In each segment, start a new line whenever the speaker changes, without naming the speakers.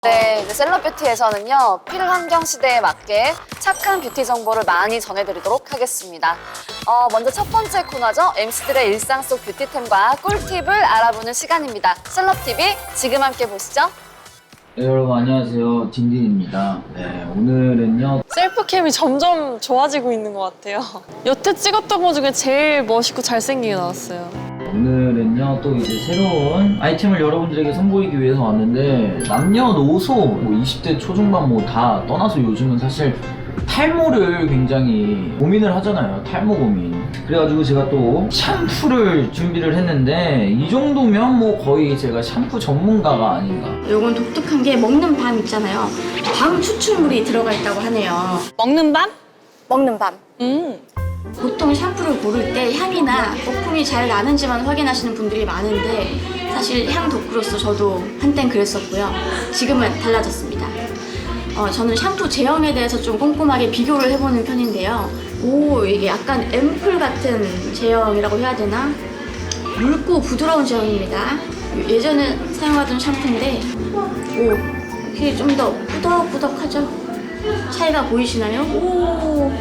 네, 이제 셀럽뷰티에서는요, 필환경 시대에 맞게 착한 뷰티 정보를 많이 전해드리도록 하겠습니다. 먼저 첫 번째 코너죠. MC들의 일상 속 뷰티템과 꿀팁을 알아보는 시간입니다. 셀럽TV, 지금 함께 보시죠.
네, 여러분 안녕하세요. 딘딘입니다. 네, 오늘은요.
셀프캠이 점점 좋아지고 있는 것 같아요. 여태 찍었던 것 중에 제일 멋있고 잘생기게 나왔어요.
오늘은요 또 이제 새로운 아이템을 여러분들에게 선보이기 위해서 왔는데 남녀노소 뭐 20대 초중반 뭐 다 떠나서 요즘은 사실 탈모를 굉장히 고민을 하잖아요. 탈모 고민. 그래가지고 제가 또 샴푸를 준비를 했는데 이 정도면 뭐 거의 제가 샴푸 전문가가 아닌가.
요건 독특한 게 먹는 밤 있잖아요. 밤 추출물이 들어가 있다고 하네요.
먹는 밤?
먹는 밤. 보통 샴푸를 고를 때 향이나 거품이 잘 나는지만 확인하시는 분들이 많은데 사실 향 덕후로서 저도 한땐 그랬었고요. 지금은 달라졌습니다. 저는 샴푸 제형에 대해서 좀 꼼꼼하게 비교를 해보는 편인데요. 이게 약간 앰플 같은 제형이라고 해야 되나? 묽고 부드러운 제형입니다. 예전에 사용하던 샴푸인데 이게 좀 더 꾸덕꾸덕하죠? 차이가 보이시나요?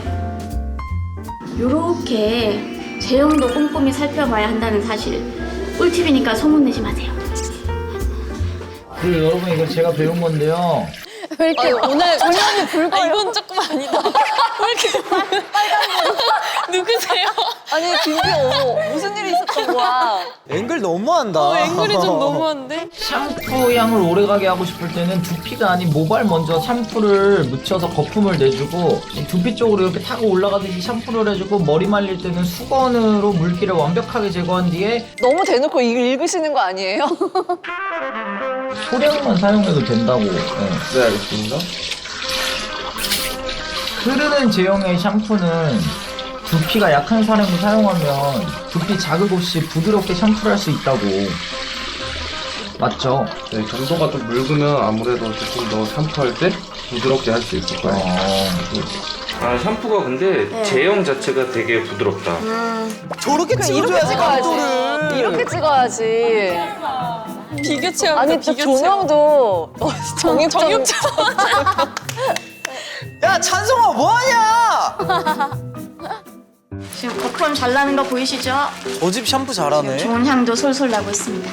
요렇게 제형도 꼼꼼히 살펴봐야 한다는 사실. 꿀팁이니까 소문내지 마세요.
그리고 여러분 이거 제가 배운 건데요.
왜 이렇게
오늘 조명이 붉어요. 이건 조금 아니다. 왜 이렇게 빨간 누구세요?
아니, 김비 어머, 무슨 일이 있었던 거야?
앵글 너무한다.
앵글이 좀 너무한데?
샴푸 향을 오래가게 하고 싶을 때는 두피가 아닌 모발 먼저 샴푸를 묻혀서 거품을 내주고 두피 쪽으로 이렇게 타고 올라가듯이 샴푸를 해주고 머리 말릴 때는 수건으로 물기를 완벽하게 제거한 뒤에
너무 대놓고 이걸 읽으시는 거 아니에요?
소량만 사용해도 된다고. 네.
네, 알겠습니다.
흐르는 제형의 샴푸는 두피가 약한 사람이 사용하면 두피 자극 없이 부드럽게 샴푸를 할 수 있다고. 맞죠?
네, 점도가 좀 묽으면 아무래도 조금 더 샴푸할 때 부드럽게 할 수 있을 거예요. 아, 샴푸가 근데
네.
제형 자체가 되게 부드럽다.
저렇게
이렇게
찍어줘야지,
찍어야지.
각도를.
이렇게 찍어야지.
비교 체험.
아니, 또 조명도
정육점.
야, 찬성아, 뭐하냐?
지금 거품 잘 나는 거 보이시죠?
저 집 샴푸 잘하네.
좋은 향도 솔솔 나고 있습니다.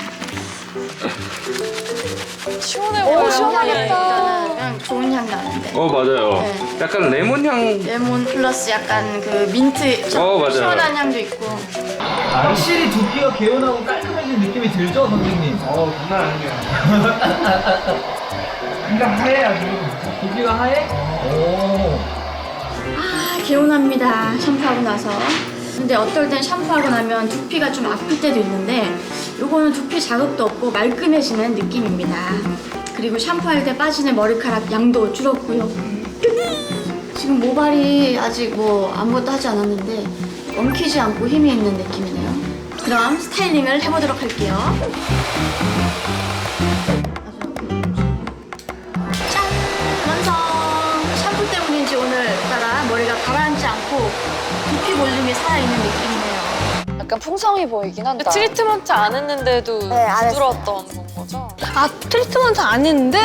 시원해
오,
보여요.
시원하겠다.
일단은 그냥 좋은 향 나는데.
맞아요.
네.
약간 레몬향.
레몬 플러스 약간 그 민트
맞아요.
시원한 향도 있고.
확실히 두피가 개운하고 깔끔해진 느낌이 들죠, 선생님?
장난 아니에요.
두피가 하얘 아주. 두피가 하얘? 오.
개운합니다. 샴푸하고 나서. 근데 어떨 땐 샴푸하고 나면 두피가 좀 아플 때도 있는데 요거는 두피 자극도 없고 말끔해지는 느낌입니다. 그리고 샴푸할 때 빠지는 머리카락 양도 줄었고요. 지금 모발이 아직 뭐 아무것도 하지 않았는데 엉키지 않고 힘이 있는 느낌이네요. 그럼 스타일링을 해보도록 할게요. 짠! 완성! 샴푸 때문인지 오늘따라 머리가 가라앉지 않고 두피 볼륨이 살아있는 느낌이네요.
약간 풍성해 보이긴 한다.
트리트먼트 안 했는데도
네, 안
부드러웠던 건 거죠? 아, 트리트먼트 안 했는데?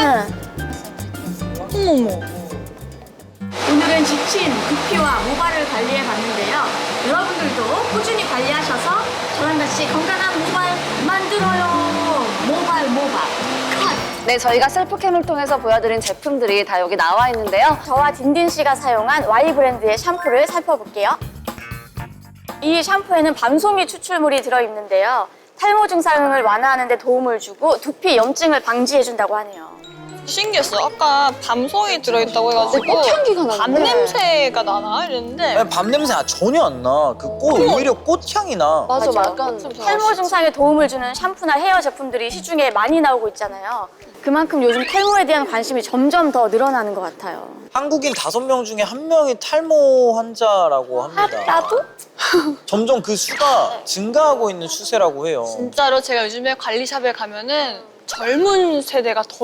어머머.
오늘은 지친 두피와 모발을 관리해 봤는데요. 여러분들도 꾸준히 관리하셔서 저랑 같이 건강한 모발 만들어요. 모발. 컷!
네, 저희가 셀프캠을 통해서 보여드린 제품들이 다 여기 나와 있는데요.
저와 딘딘 씨가 사용한 Y 브랜드의 샴푸를 살펴볼게요. 이 샴푸에는 밤송이 추출물이 들어있는데요. 탈모 증상을 완화하는 데 도움을 주고 두피 염증을 방지해준다고 하네요.
신기했어. 아까 밤송이 들어있다고 해가지고
꽃향기가 나는데.
밤 냄새가 나나? 이랬는데
밤 냄새 전혀 안 나. 그 꽃, 오히려 꽃향이 나.
맞아,
맞아.
약간
탈모 증상에 도움을 주는 샴푸나 헤어 제품들이 시중에 많이 나오고 있잖아요. 그만큼 요즘 탈모에 대한 관심이 점점 더 늘어나는 것 같아요.
한국인 5명 중에 1명이 탈모 환자라고 합니다.
나도?
점점 그 수가 증가하고 있는 추세라고 해요.
진짜로 제가 요즘에 관리샵에 가면은 젊은 세대가 더 많아요.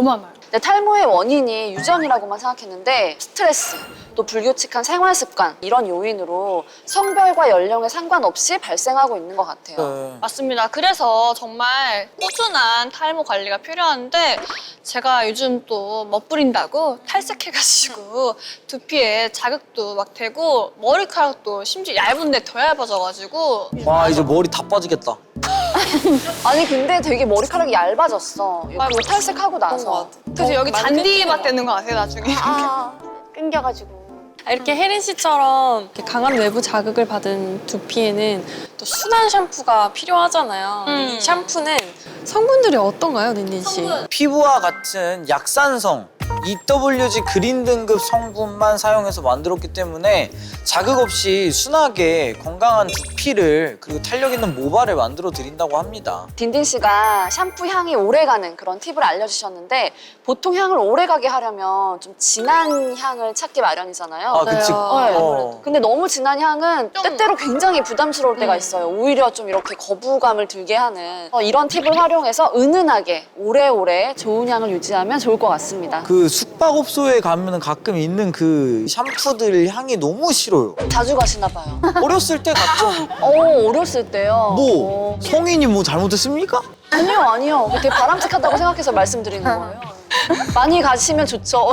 근데 탈모의 원인이 유전이라고만 생각했는데 스트레스, 또 불규칙한 생활 습관 이런 요인으로 성별과 연령에 상관없이 발생하고 있는 것 같아요.
네.
맞습니다. 그래서 정말 꾸준한 탈모 관리가 필요한데 제가 요즘 또 멋부린다고 탈색해가지고 두피에 자극도 막 되고 머리카락도 심지어 얇은데 더 얇아져가지고
와 이제 머리 다 빠지겠다.
아니 근데 되게 머리카락이 얇아졌어. 이거 탈색하고 나서.
그래서 여기
많이
잔디밭
끊기는
되는 거 아세요 나중에?
아, 끊겨가지고.
이렇게 혜린 씨처럼 이렇게 강한 외부 자극을 받은 두피에는 또 순한 샴푸가 필요하잖아요. 이 샴푸는 성분들이 어떤가요, 닌닌 씨?
피부와 같은 약산성 EWG 그린 등급 성분만 사용해서 만들었기 때문에 자극 없이 순하게 건강한 두피를 그리고 탄력 있는 모발을 만들어 드린다고 합니다.
딘딘 씨가 샴푸 향이 오래가는 그런 팁을 알려주셨는데 보통 향을 오래가게 하려면 좀 진한 향을 찾기 마련이잖아요.
아 그치.
네. 근데 너무 진한 향은 때때로 굉장히 부담스러울 때가 있어요. 오히려 좀 이렇게 거부감을 들게 하는 이런 팁을 활용해서 은은하게 오래오래 좋은 향을 유지하면 좋을 것 같습니다.
그 숙박업소에 가면 가끔 있는 그 샴푸들 향이 너무 싫어요.
자주 가시나 봐요.
어렸을 때 갔죠.
어렸을 때요.
뭐 성인이 뭐 잘못했습니까?
아니요. 되게 바람직하다고 생각해서 말씀드리는 거예요. 많이 가시면 좋죠.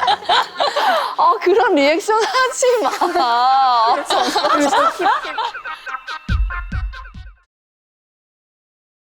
그런 리액션 하지 마.